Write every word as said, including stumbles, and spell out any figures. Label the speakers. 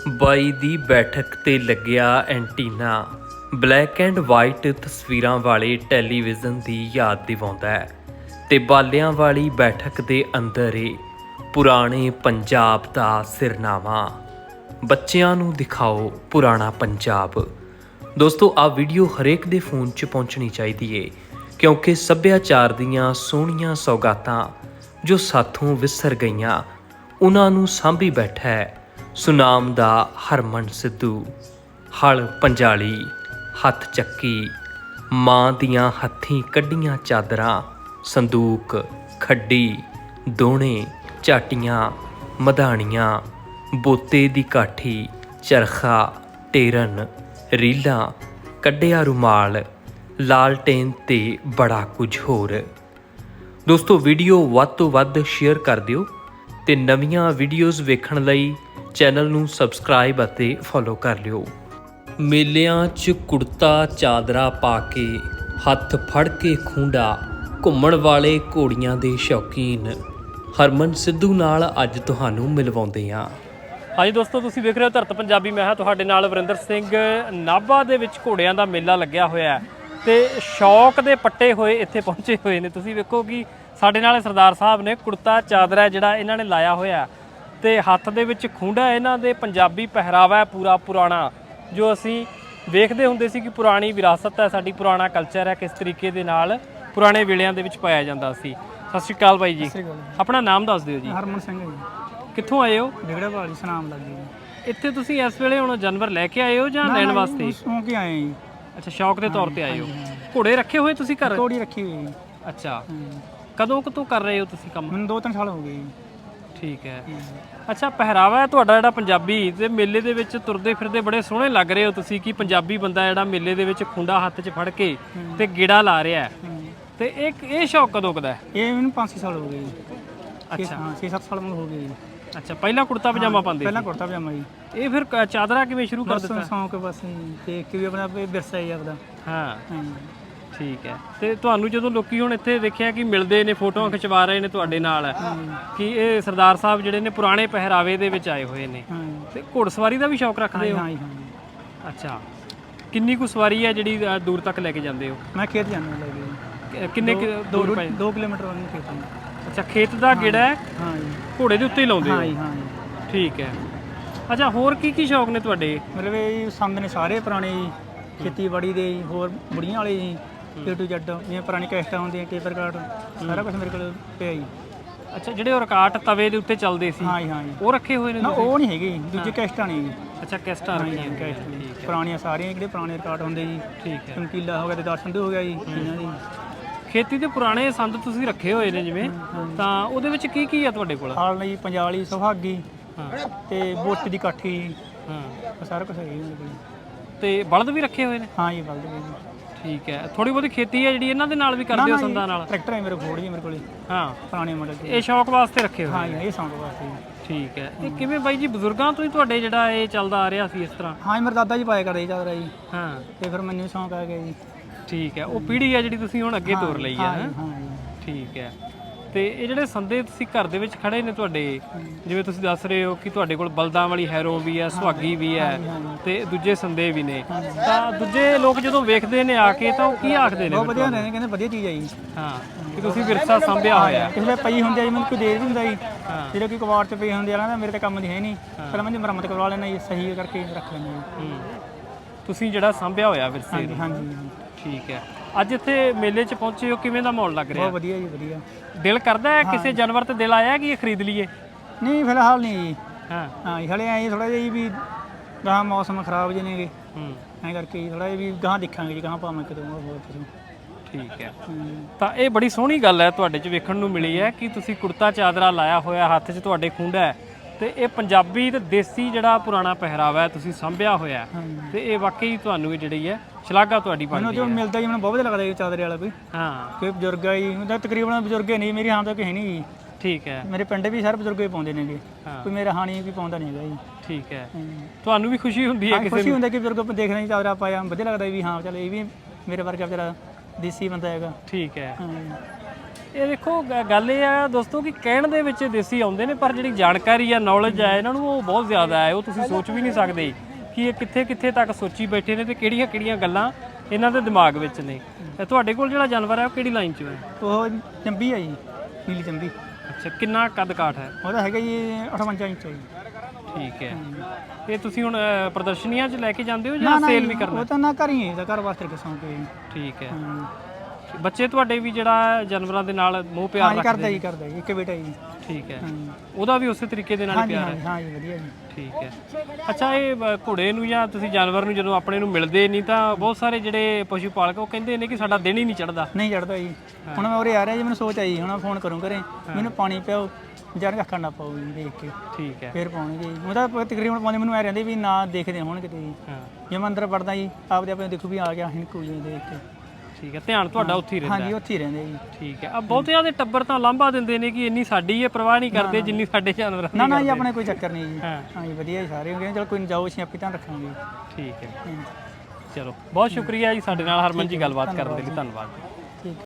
Speaker 1: ਬਾਈ ਦੀ ਬੈਠਕ ਤੇ ਲੱਗਿਆ ਐਂਟੀਨਾ ਬਲੈਕ ਐਂਡ ਵਾਈਟ ਤਸਵੀਰਾਂ ਵਾਲੇ ਟੈਲੀਵਿਜ਼ਨ ਦੀ ਯਾਦ ਦਿਵਾਉਂਦਾ ਹੈ ਤੇ ਬਾਲਿਆਂ ਵਾਲੀ ਬੈਠਕ ਦੇ ਅੰਦਰ ਏ ਪੁਰਾਣੇ ਪੰਜਾਬ ਦਾ ਸਿਰਨਾਵਾ। ਬੱਚਿਆਂ ਨੂੰ ਦਿਖਾਓ ਪੁਰਾਣਾ ਪੰਜਾਬ। ਦੋਸਤੋ ਆ ਵੀਡੀਓ ਹਰੇਕ ਦੇ ਫੋਨ 'ਚ ਪਹੁੰਚਣੀ ਚਾਹੀਦੀ ਏ ਕਿਉਂਕਿ ਸੱਭਿਆਚਾਰ ਦੀਆਂ ਸੋਹਣੀਆਂ ਸੌਗਾਤਾਂ ਜੋ ਸਾਥੋਂ ਵਿਸਰ ਗਈਆਂ ਉਹਨਾਂ ਨੂੰ ਸਾਂਭੀ ਬੈਠਾ ਹੈ ਸੁਨਾਮ ਦਾ ਹਰਮਨ ਸਿੱਧੂ। ਹਲ ਪੰਜਾਲੀ ਹੱਥ ਚੱਕੀ, ਮਾਂ ਦੀਆਂ ਹੱਥੀਂ ਕੱਢੀਆਂ ਚਾਦਰਾਂ, ਸੰਦੂਕ, ਖੱਡੀ, ਦੋਣੇ, ਝਾਟੀਆਂ, ਮਧਾਣੀਆਂ, ਬੋਤੇ ਦੀ ਕਾਠੀ, ਚਰਖਾ, ਟੇਰਨ, ਰੀਲਾਂ, ਕੱਢਿਆ ਰੁਮਾਲ, ਲਾਲਟੇਨ ਤੇ ਬੜਾ ਕੁਝ ਹੋਰ। ਦੋਸਤੋ ਵੀਡੀਓ ਵੱਧ ਤੋਂ ਵੱਧ ਸ਼ੇਅਰ ਕਰ ਦਿਓ ਤੇ ਨਵੀਆਂ ਵੀਡੀਓਜ਼ ਵੇਖਣ ਲਈ ਚੈਨਲ ਨੂੰ ਸਬਸਕ੍ਰਾਈਬ ਅਤੇ ਫੋਲੋ ਕਰ ਲਿਓ। ਮੇਲਿਆਂ 'ਚ ਕੁੜਤਾ ਚਾਦਰਾ ਪਾ ਕੇ ਹੱਥ ਫੜ ਕੇ ਖੂੰਡਾ ਘੁੰਮਣ ਵਾਲੇ ਘੋੜੀਆਂ ਦੇ ਸ਼ੌਕੀਨ ਹਰਮਨ ਸਿੱਧੂ ਨਾਲ ਅੱਜ ਤੁਹਾਨੂੰ ਮਿਲਵਾਉਂਦੇ ਹਾਂ।
Speaker 2: ਹਾਂਜੀ ਦੋਸਤੋ, ਤੁਸੀਂ ਵੇਖ ਰਹੇ ਹੋ ਧਰਤ ਪੰਜਾਬੀ। ਮੈਂ ਹਾਂ ਤੁਹਾਡੇ ਨਾਲ ਵਰਿੰਦਰ ਸਿੰਘ। ਨਾਭਾ ਦੇ ਵਿੱਚ ਘੋੜਿਆਂ ਦਾ ਮੇਲਾ ਲੱਗਿਆ ਹੋਇਆ ਤੇ ਸ਼ੌਕ ਦੇ ਪੱਟੇ ਹੋਏ ਇੱਥੇ ਪਹੁੰਚੇ ਹੋਏ ਨੇ। ਤੁਸੀਂ ਵੇਖੋ ਕਿ ਸਾਡੇ ਨਾਲ ਸਰਦਾਰ ਸਾਹਿਬ ਨੇ ਕੁੜਤਾ ਚਾਦਰਾ ਜਿਹੜਾ ਇਹਨਾਂ ਨੇ ਲਾਇਆ ਹੋਇਆ ਤੇ ਹੱਥ ਦੇ ਵਿੱਚ ਖੂੰਡਾ। ਇਹਨਾਂ ਦੇ ਪੰਜਾਬੀ ਪਹਿਰਾਵਾ ਹੈ ਪੂਰਾ ਪੁਰਾਣਾ, ਜੋ ਅਸੀਂ ਵੇਖਦੇ ਹੁੰਦੇ ਸੀ ਕਿ ਪੁਰਾਣੀ ਵਿਰਾਸਤ ਹੈ ਸਾਡੀ, ਪੁਰਾਣਾ ਕਲਚਰ ਹੈ, ਕਿਸ ਤਰੀਕੇ ਦੇ ਨਾਲ ਪੁਰਾਣੇ ਵੇਲਿਆਂ ਦੇ ਵਿੱਚ ਪਾਇਆ ਜਾਂਦਾ ਸੀ। ਸਤਿ ਸ਼੍ਰੀ ਅਕਾਲ ਬਾਈ ਜੀ। ਆਪਣਾ ਨਾਮ ਦੱਸ ਦਿਓ ਜੀ।
Speaker 3: ਹਰਮਨ ਸਿੰਘ ਜੀ।
Speaker 2: ਕਿੱਥੋਂ ਆਏ ਹੋ?
Speaker 3: ਡਿਗੜਾ ਵਾਲੀ ਸੁਨਾਮ ਲੱਗੀ ਜੀ।
Speaker 2: ਇੱਥੇ ਤੁਸੀਂ ਇਸ ਵੇਲੇ ਹੁਣ ਜਾਨਵਰ ਲੈ ਕੇ ਆਏ ਹੋ ਜਾਂ ਲੈਣ ਵਾਸਤੇ?
Speaker 3: ਸ਼ੌਂਕ ਹੀ ਆਏ ਜੀ।
Speaker 2: ਅੱਛਾ, ਸ਼ੌਕ ਦੇ ਤੌਰ ਤੇ ਆਏ ਹੋ। ਘੋੜੇ ਰੱਖੇ ਹੋਏ ਤੁਸੀਂ ਘਰ?
Speaker 3: ਘੋੜੀ ਰੱਖੀ ਹੋਈ ਜੀ।
Speaker 2: ਅੱਛਾ, ਕਦੋਂ ਕਦੋਂ ਕਰ ਰਹੇ ਹੋ ਤੁਸੀਂ ਕੰਮ?
Speaker 3: ਮੈਨੂੰ ਦੋ ਤਿੰਨ ਸਾਲ ਹੋ ਗਏ ਜੀ।
Speaker 2: ਠੀਕ ਹੈ। ਅੱਛਾ, ਪਹਿਰਾਵਾ ਹੈ ਤੁਹਾਡਾ ਜਿਹੜਾ ਪੰਜਾਬੀ, ਤੇ ਮੇਲੇ ਦੇ ਵਿੱਚ ਤੁਰਦੇ ਫਿਰਦੇ ਬੜੇ ਸੋਹਣੇ ਲੱਗ ਰਹੇ ਹੋ ਤੁਸੀਂ ਕਿ ਪੰਜਾਬੀ ਬੰਦਾ ਜਿਹੜਾ ਮੇਲੇ ਦੇ ਵਿੱਚ ਖੁੰਡਾ ਹੱਥ 'ਚ ਫੜ ਕੇ ਤੇ ਗੇੜਾ ਲਾ ਰਿਹਾ ਹੈ। ਤੇ ਇੱਕ ਇਹ ਸ਼ੌਕ ਕਦੋਂ ਕਦਾ ਹੈ?
Speaker 3: ਇਹ ਮੈਨੂੰ ਪੰਜ ਛੇ ਸਾਲ ਹੋ ਗਏ ਜੀ।
Speaker 2: ਅੱਛਾ,
Speaker 3: ਹਾਂ ਛੇ ਸੱਤ ਸਾਲ ਮੈਨੂੰ ਹੋ ਗਏ ਜੀ।
Speaker 2: ਅੱਛਾ, ਪਹਿਲਾਂ ਕੁੜਤਾ ਪਜਾਮਾ ਪਾਉਂਦੇ?
Speaker 3: ਪਹਿਲਾਂ ਕੁੜਤਾ ਪਜਾਮਾ ਜੀ।
Speaker 2: ਇਹ ਫਿਰ ਕ- ਚਾਦਰਾ ਕਿਵੇਂ ਸ਼ੁਰੂ ਕਰ ਦਿੱਤਾ?
Speaker 3: ਸ਼ੌਂਕ ਬਸ ਦੇਖ ਕੇ ਵੀ ਆਪਣਾ ਵਿਰਸਾ ਹੀ ਆਪਦਾ।
Speaker 2: ਹਾਂ, ਠੀਕ ਹੈ। ਤੇ ਤੁਹਾਨੂੰ ਜਦੋਂ ਲੋਕੀ ਹੁਣ ਇੱਥੇ ਦੇਖਿਆ ਕਿ ਮਿਲਦੇ ਨੇ, ਫੋਟੋਆਂ ਖਿਚਵਾ ਰਹੇ ਨੇ ਤੁਹਾਡੇ ਨਾਲ, ਕਿ ਇਹ ਸਰਦਾਰ ਸਾਹਿਬ ਜਿਹੜੇ ਨੇ ਪੁਰਾਣੇ ਪਹਿਰਾਵੇ ਦੇ ਵਿੱਚ ਆਏ ਹੋਏ ਨੇ, ਤੇ ਘੋੜਸਵਾਰੀ ਦਾ ਵੀ ਸ਼ੌਕ ਰੱਖਦੇ ਹੋ?
Speaker 3: ਹਾਂ ਜੀ, ਹਾਂ।
Speaker 2: ਅੱਛਾ, ਕਿੰਨੀ ਕੁ ਸਵਾਰੀ ਹੈ ਜਿਹੜੀ ਅ, ਦੂਰ ਤੱਕ ਲੈ ਕੇ ਜਾਂਦੇ ਹੋ?
Speaker 3: ਮੈਂ ਖੇਤ ਜਾਂਦਾ ਲੈ ਕੇ।
Speaker 2: ਕਿ- ਕਿੰਨੇ ਕੁ ਦੂਰ ਪਏ?
Speaker 3: ਦੋ ਕਿਲੋਮੀਟਰ ਉਹਨੂੰ ਖੇਤ ਨੂੰ।
Speaker 2: ਅੱਛਾ, ਖੇਤ ਦਾ ਗੇੜਾ ਹੈ,
Speaker 3: ਹਾਂ ਜੀ।
Speaker 2: ਘੋੜੇ ਦੇ ਉੱਤੇ ਹੀ ਲਾਉਂਦੇ ਹੋ?
Speaker 3: ਹਾਂ ਜੀ, ਹਾਂ ਜੀ।
Speaker 2: ਠੀਕ ਹੈ। ਅੱਛਾ, ਹੋਰ ਕੀ ਕੀ ਸ਼ੌਕ ਨੇ ਤੁਹਾਡੇ?
Speaker 3: ਮਤਲਬ ਇਹ ਸੰਦ ਨੇ ਸਾਰੇ ਪੁਰਾਣੇ ਜੀ, ਖੇਤੀਬਾੜੀ ਦੇ ਜੀ, ਹੋਰ ਬੁੜੀਆਂ ਵਾਲੇ ਜੀ, ਏ ਟੂ ਜ਼ੈਡ, ਜਿਵੇਂ ਪੁਰਾਣੀ ਕੈਸਟਾਂ ਹੁੰਦੀਆਂ, ਪੇਪਰ ਕਾਰਡ, ਸਾਰਾ ਕੁਝ ਮੇਰੇ ਕੋਲ ਪਿਆ ਜੀ।
Speaker 2: ਅੱਛਾ, ਜਿਹੜੇ ਉਹ ਰਕਾਟ ਤਵੇ ਦੇ ਉੱਤੇ ਚੱਲਦੇ ਸੀ,
Speaker 3: ਹਾਂ ਜੀ, ਹਾਂ ਜੀ।
Speaker 2: ਉਹ ਰੱਖੇ ਹੋਏ ਨੇ
Speaker 3: ਨਾ
Speaker 2: ਤੁਸੀਂ?
Speaker 3: ਉਹ ਨਹੀਂ ਹੈਗੇ, ਦੂਜੇ ਕੈਸਟਾਂ ਨੇ ਜੀ।
Speaker 2: ਅੱਛਾ, ਕੈਸਟਾਂ ਰੱਖੀਆਂ
Speaker 3: ਕੈਸਟ
Speaker 2: ਠੀਕ ਹੈ,
Speaker 3: ਪੁਰਾਣੀਆਂ ਸਾਰੀਆਂ ਜਿਹੜੇ ਪੁਰਾਣੇ ਰਿਕਾਰਡ ਹੁੰਦੇ ਜੀ।
Speaker 2: ਠੀਕ ਹੈ।
Speaker 3: ਚਮਕੀਲਾ ਹੋ ਗਿਆ ਤੇ ਦਰਸ਼ਨ ਹੋ ਗਿਆ ਜੀ ਇਹਨਾਂ ਦੀ।
Speaker 2: ਖੇਤੀ ਦੇ ਪੁਰਾਣੇ ਸੰਦ ਤੁਸੀਂ ਰੱਖੇ ਹੋਏ ਨੇ ਜਿਵੇਂ, ਤਾਂ ਉਹਦੇ ਵਿੱਚ ਕੀ ਕੀ ਆ ਤੁਹਾਡੇ ਕੋਲ?
Speaker 3: ਹਾਲ ਲਈ ਪੰਜਾਲੀ, ਸੁਹਾਗੀ
Speaker 2: ਹਾਂ,
Speaker 3: ਤੇ ਬੋਤੀ ਦੀ ਕਾਠੀ,
Speaker 2: ਹਾਂ,
Speaker 3: ਇਹ ਸਾਰਾ ਕੁਝ ਹੈ ਜੀ ਮੇਰੇ ਕੋਲ।
Speaker 2: ਤੇ ਬਲਦ ਵੀ ਰੱਖੇ ਹੋਏ ਨੇ?
Speaker 3: ਹਾਂ ਜੀ, ਬਲਦ ਵੀ ਜੀ।
Speaker 2: ਠੀਕ ਹੈ। ਥੋੜੀ ਬਹੁਤੀ ਖੇਤੀ ਹੈ ਜਿਹੜੀ ਇਹਨਾਂ ਦੇ ਨਾਲ ਵੀ ਕਰਦੇ ਹੋ, ਸੰਦਾਂ ਨਾਲ?
Speaker 3: ਟਰੈਕਟਰ ਹੈ ਮੇਰੇ ਕੋਲ ਜੀ, ਮੇਰੇ ਕੋਲ
Speaker 2: ਹਾਂ,
Speaker 3: ਪੁਰਾਣੇ ਮਾਡਲ ਦੇ।
Speaker 2: ਇਹ ਸ਼ੌਕ ਵਾਸਤੇ ਰੱਖੇ ਹੋਏ?
Speaker 3: ਹਾਂ ਜੀ, ਇਹ ਸੌਂਕ ਵਾਸਤੇ ਜੀ।
Speaker 2: ਠੀਕ ਹੈ। ਇਹ ਕਿਵੇਂ ਬਾਈ ਜੀ, ਬਜ਼ੁਰਗਾਂ ਤੋਂ ਹੀ ਤੁਹਾਡੇ ਜਿਹੜਾ ਇਹ ਚੱਲਦਾ ਆ ਰਿਹਾ ਸੀ ਇਸ ਤਰ੍ਹਾਂ?
Speaker 3: ਹਾਂ ਜੀ, ਮੇਰੇ ਦਾਦਾ ਜੀ ਪਾਇਆ ਕਰਦੇ ਜੀ ਚਾਦਰਾ ਜੀ,
Speaker 2: ਹਾਂ,
Speaker 3: ਤੇ ਫਿਰ ਮੈਨੂੰ ਸ਼ੌਂਕ ਆ ਗਿਆ ਜੀ।
Speaker 2: ਠੀਕ ਹੈ। ਉਹ ਪੀੜ੍ਹੀ ਹੈ ਜਿਹੜੀ ਤੁਸੀਂ ਹੁਣ ਅੱਗੇ ਤੋਰ ਲਈ ਹੈ?
Speaker 3: ਹਾਂ
Speaker 2: ਹੈਂ?
Speaker 3: ਜੀ, ਹਾਂ ਜੀ।
Speaker 2: ਠੀਕ ਹੈ। ਤੇ ਇਹ ਜਿਹੜੇ ਸੰਦੇ ਤੁਸੀਂ ਘਰ ਦੇ ਵਿੱਚ ਖੜੇ ਨੇ ਤੁਹਾਡੇ, ਜਿਵੇਂ ਤੁਸੀਂ ਦੱਸ ਰਹੇ ਹੋ ਕਿ ਤੁਹਾਡੇ ਕੋਲ ਬਲਦਾਂ ਵਾਲੀ ਹੈਰੋ ਵੀ ਹੈ, ਸੁਹਾਗੀ ਵੀ ਹੈ, ਤੇ ਦੂਜੇ ਸੰਦੇ ਵੀ ਨੇ, ਤਾਂ ਦੂਜੇ ਲੋਕ ਜਦੋਂ ਵੇਖਦੇ ਨੇ ਆ ਕੇ ਤਾਂ ਉਹ ਕੀ ਆਖਦੇ ਨੇ?
Speaker 3: ਬਹੁਤ ਵਧੀਆ ਨੇ, ਕਹਿੰਦੇ ਵਧੀਆ ਚੀਜ਼ ਹੈ ਜੀ।
Speaker 2: ਹਾਂ, ਕਿ ਤੁਸੀਂ ਵਿਰਸਾ ਸਾਂਭਿਆ ਹੋਇਆ।
Speaker 3: ਕਿਸੇ ਵੇਲੇ ਪਈ ਹੁੰਦੀ ਆ ਜੀ, ਮੈਨੂੰ ਕੋਈ ਦੇ ਵੀ ਹੁੰਦਾ ਜੀ। ਜਿਹੜੇ ਕੋਈ ਕਵਾੜ 'ਚ ਪਈ ਹੁੰਦੀ ਆ, ਕਹਿੰਦਾ ਮੇਰੇ ਤਾਂ ਕੰਮ ਦੀ ਹੈ ਨਹੀਂ, ਫਿਰ ਮੈਂ ਜੀ ਮੁਰੰਮਤ ਕਰਵਾ ਲੈਣਾ ਜੀ, ਸਹੀ ਕਰਕੇ ਰੱਖ ਲੈਣਾ ਜੀ।
Speaker 2: ਤੁਸੀਂ ਜਿਹੜਾ ਸਾਂਭਿਆ ਹੋਇਆ ਵਿਰਸੇ
Speaker 3: ਹਾਂਜੀ,
Speaker 2: ਨੂੰ।
Speaker 3: ਹਾਂਜੀ।
Speaker 2: ਠੀਕ ਹੈ। ਅੱਜ ਇੱਥੇ ਮੇਲੇ 'ਚ ਪਹੁੰਚੇ ਹੋ, ਕਿਵੇਂ ਦਾ ਮਾਹੌਲ ਲੱਗ ਰਿਹਾ?
Speaker 3: ਬਹੁਤ ਵਧੀਆ ਜੀ, ਵਧੀਆ।
Speaker 2: ਦਿਲ ਕਰਦਾ ਹੈ ਕਿਸੇ ਜਾਨਵਰ ਤੇ ਦਿਲ ਆਇਆ ਕਿ ਇਹ ਖਰੀਦ ਲਈਏ?
Speaker 3: ਨਹੀਂ, ਫਿਲਹਾਲ ਨਹੀਂ ਜੀ।
Speaker 2: ਹਾਂ,
Speaker 3: ਹਾਂ ਜੀ, ਹਲੇ ਐਂ ਥੋੜਾ ਜਿਹਾ ਜੀ ਵੀ ਗਾਹਾਂ ਮੌਸਮ ਖਰਾਬ ਜਿਹੇ ਨੇਗੇ,
Speaker 2: ਹੂੰ,
Speaker 3: ਐਂ ਕਰਕੇ ਥੋੜਾ ਜਿਹਾ ਵੀ ਗਾਹਾਂ ਦੇਖਾਂਗੇ ਜੀ, ਗਾਹਾਂ ਪਾਵਾਂ ਕਿਤੇ ਹੋਰ ਕੁਝ।
Speaker 2: ਠੀਕ ਹੈ। ਤਾਂ ਇਹ ਬੜੀ ਸੋਹਣੀ ਗੱਲ ਹੈ ਤੁਹਾਡੇ 'ਚ ਵੇਖਣ ਨੂੰ ਮਿਲੀ ਹੈ ਕਿ ਤੁਸੀਂ ਕੁੜਤਾ ਚਾਦਰਾ ਲਾਇਆ ਹੋਇਆ, ਹੱਥ 'ਚ ਤੁਹਾਡੇ ਖੂੰਡਾ ਹੈ, ਤੇ ਇਹ ਪੰਜਾਬੀ ਤੇ ਦੇਸੀ ਜਿਹੜਾ ਪੁਰਾਣਾ ਪਹਿਰਾਵਾ ਹੈ ਤੁਸੀਂ ਸਾਂਭਿਆ ਹੋਇਆ, ਤੇ ਇਹ ਵਾਕਈ ਤੁਹਾਨੂੰ ਜਿਹੜੀ ਹੈ ਸ਼ਲਾਘਾ ਤੁਹਾਡੀ
Speaker 3: ਮੈਨੂੰ
Speaker 2: ਬਣਦੀ
Speaker 3: ਜੋ
Speaker 2: ਹੈ।
Speaker 3: ਮਿਲਦਾ ਜੀ, ਮੈਨੂੰ ਬਹੁਤ ਵਧੀਆ ਲੱਗਦਾ ਜੀ ਚਾਦਰੇ ਵਾਲਾ ਕੋਈ।
Speaker 2: ਹਾਂ,
Speaker 3: ਕੋਈ ਬਜ਼ੁਰਗ ਆ ਜੀ, ਉਹਦਾ ਤਕਰੀਬਨ ਬਜ਼ੁਰਗ ਹੀ ਨਹੀਂ, ਮੇਰੀ ਹਾਂ ਤੱਕ ਹੈ ਨਹੀਂ ਜੀ।
Speaker 2: ਠੀਕ ਹੈ।
Speaker 3: ਮੇਰੇ ਪਿੰਡ ਵੀ ਸਾਰੇ ਬਜ਼ੁਰਗ ਹੀ ਪਾਉਂਦੇ ਨੇਗੇ,
Speaker 2: ਹਾਂ,
Speaker 3: ਕੋਈ ਮੇਰਾ ਹਾਣੀ ਕੋਈ ਪਾਉਂਦਾ ਨਹੀਂ ਹੈਗਾ ਜੀ।
Speaker 2: ਠੀਕ ਹੈ। ਤੁਹਾਨੂੰ ਵੀ ਖੁਸ਼ੀ ਹੁੰਦੀ ਹੈ ਕਿਸੇ
Speaker 3: ਖੁਸ਼ੀ
Speaker 2: ਨੂੰ?
Speaker 3: ਹੁੰਦਾ ਕਿ ਬਜ਼ੁਰਗ ਦੇਖ ਰਹੇ ਚਾਦਰਾ ਪਾਇਆ, ਵਧੀਆ ਲੱਗਦਾ ਵੀ ਹਾਂ ਚੱਲ ਇਹ ਵੀ ਮੇਰੇ ਵਰਗਾ ਵਿਚਾਰਾ ਦੇਸੀ ਬੰਦਾ ਹੈਗਾ।
Speaker 2: ਠੀਕ ਹੈ। ਇਹ ਦੇਖੋ ਗ- ਗੱਲ ਇਹ ਆ ਦੋਸਤੋ ਕਿ ਕਹਿਣ ਦੇ ਵਿੱਚ ਦੇਸੀ ਆਉਂਦੇ ਨੇ, ਪਰ ਜਿਹੜੀ ਜਾਣਕਾਰੀ ਆ ਨੌਲੇਜ ਆ ਇਹਨਾਂ ਨੂੰ ਉਹ ਬਹੁਤ ਜ਼ਿਆਦਾ ਹੈ। ਉਹ ਤੁਸੀਂ ਸੋਚ ਵੀ ਨਹੀਂ ਸਕਦੇ ਕਿ ਇਹ ਕਿੱਥੇ ਕਿੱਥੇ ਤੱਕ ਸੋਚੀ ਬੈਠੇ ਨੇ ਤੇ ਕਿਹੜੀਆਂ ਕਿਹੜੀਆਂ ਗੱਲਾਂ ਇਹਨਾਂ ਦੇ ਦਿਮਾਗ ਵਿੱਚ ਨੇ। ਤੇ ਤੁਹਾਡੇ ਕੋਲ ਜਿਹੜਾ ਜਾਨਵਰ ਹੈ ਉਹ ਕਿਹੜੀ ਲਾਈਨ 'ਚ ਹੈ?
Speaker 3: ਉਹ ਚੰਬੀ ਆ ਜੀ, ਨੀਲੀ ਚੰਬੀ।
Speaker 2: ਅੱਛਾ, ਕਿੰਨਾ ਕੱਦ ਕਾਠ ਹੈ?
Speaker 3: ਉਹਦਾ ਹੈਗਾ ਜੀ ਅਠਵੰਜਾ ਇੰਚ ਆ ਜੀ।
Speaker 2: ਠੀਕ ਹੈ। ਇਹ ਤੁਸੀਂ ਹੁਣ ਅ, ਪ੍ਰਦਰਸ਼ਨੀਆਂ 'ਚ ਲੈ ਕੇ ਜਾਂਦੇ ਹੋ
Speaker 3: ਨਾ
Speaker 2: ਜਾਂ
Speaker 3: ਨਾ
Speaker 2: ਸੇਲ
Speaker 3: ਜੀ,
Speaker 2: ਵੀ ਕਰਨਾ?
Speaker 3: ਉਹ ਤਾਂ ਨਾ ਘਰ ਹੀ ਹੈ, ਘਰ ਵਾਸਤੇ ਕਿਸਮ ਕੇ।
Speaker 2: ਠੀਕ ਹੈ।
Speaker 3: ਹਾਂ
Speaker 2: ਬੱਚੇ ਤੁਹਾਡੇ ਵੀ ਜਿਹੜਾ ਜਾਨਵਰਾਂ ਦੇ ਨਾਲ ਮੋਹ ਪਿਆਰ
Speaker 3: ਜੀ,
Speaker 2: ਰੱਖਦੇ
Speaker 3: ਕਰਦਾ ਜੀ ਕਰਦਾ ਜੀ, ਇੱਕ ਬੇਟਾ ਜੀ।
Speaker 2: ਠੀਕ ਹੈ।
Speaker 3: ਹਾਂ
Speaker 2: ਉਹਦਾ ਵੀ ਉਸੇ ਤਰੀਕੇ ਦੇ ਨਾਲ ਹੀ
Speaker 3: ਹਾਂਜੀ
Speaker 2: ਪਿਆਰ
Speaker 3: ਹਾਂ
Speaker 2: ਹੈ?
Speaker 3: ਜੀ, ਹਾਂ ਜੀ, ਵਧੀਆ ਜੀ।
Speaker 2: ਠੀਕ ਹੈ। ਅੱਛਾ, ਇਹ ਬ- ਘੋੜੇ ਨੂੰ ਜਾਂ ਤੁਸੀਂ ਜਾਨਵਰ ਨੂੰ ਜਦੋਂ ਆਪਣੇ ਨੂੰ ਮਿਲਦੇ ਨਹੀਂ ਤਾਂ ਬਹੁਤ ਸਾਰੇ ਜਿਹੜੇ ਪਸ਼ੂ ਪਾਲਕ ਉਹ ਕਹਿੰਦੇ ਨੇ ਕਿ ਸਾਡਾ ਦਿਨ ਹੀ ਨਹੀਂ ਚੜਦਾ।
Speaker 3: ਨਹੀਂ ਚੜਦਾ ਜੀ। ਹੁਣ ਮੈਂ ਉਰੇ ਆ ਰਿਹਾ ਜੀ, ਮੈਨੂੰ ਸੋਚ ਆਈ ਹੁਣ ਫੋਨ ਕਰੂੰ ਘਰੇ, ਮੈਨੂੰ ਪਾਣੀ ਪਿਆਓ, ਜਰ ਅੱਖਾਂ ਨਾ ਪਾਓ ਜੀ ਦੇਖ ਕੇ,
Speaker 2: ਠੀਕ ਹੈ।
Speaker 3: ਫੇਰ ਪਾਉਣਗੇ ਜੀ। ਉਹਦਾ ਤਕਰੀਬਨ ਪਾਉਂਦੇ ਮੈਨੂੰ ਐ ਰਹਿੰਦੇ ਵੀ ਨਾ ਦੇਖਦੇ ਹੋਣ ਕਿਤੇ ਜੀ।
Speaker 2: ਹਾਂ,
Speaker 3: ਜੇ ਮੈਂ ਅੰਦਰ ਵੜਦਾ ਜੀ, ਆਪਦੇ ਆਪਣੇ ਦੇਖੂ ਵੀ ਆ ਗਿਆ ਹਿੰਕੂ ਜੀ ਦੇਖ ਕੇ।
Speaker 2: ਠੀਕ ਹੈ। ਧਿਆਨ ਤੁਹਾਡਾ ਉੱਥੇ ਹੀ ਰਹਿੰਦਾ
Speaker 3: ਹਾਂਜੀ
Speaker 2: ਹੈ।
Speaker 3: ਉੱਥੇ ਹੀ ਰਹਿੰਦੇ ਜੀ।
Speaker 2: ਠੀਕ ਹੈ। ਆ ਬਹੁਤਿਆਂ ਦੇ ਟੱਬਰ ਤਾਂ ਲਾਂਭਾ ਦਿੰਦੇ ਨੇ ਕਿ ਇੰਨੀ ਸਾਡੀ ਇਹ ਪਰਵਾਹ ਨਹੀਂ ਕਰਦੇ ਜਿੰਨੀ ਸਾਡੇ ਜਾਨਵਰਾਂ ਦੀ
Speaker 3: ਨਾ ਨਾ ਜੀ,
Speaker 2: ਕਰਦੇ।
Speaker 3: ਆਪਣੇ ਕੋਈ ਚੱਕਰ ਨਹੀਂ ਜੀ।
Speaker 2: ਹਾਂ।
Speaker 3: ਹਾਂ ਜੀ, ਵਧੀਆ ਜੀ ਸਾਰੇ। ਕਹਿੰਦੇ ਚਲ ਕੋਈ ਨਹੀਂ, ਜਾਓ ਅਸੀਂ ਆਪੇ ਧਿਆਨ ਰੱਖਾਂਗੇ।
Speaker 2: ਠੀਕ ਹੈ।
Speaker 3: ਹਾਂ।
Speaker 2: ਚਲੋ, ਬਹੁਤ ਸ਼ੁਕਰੀਆ ਜੀ ਸਾਡੇ ਨਾਲ ਹਰਮਨ ਜੀ ਗੱਲਬਾਤ ਕਰਨ ਦੇ ਲਈ। ਧੰਨਵਾਦ।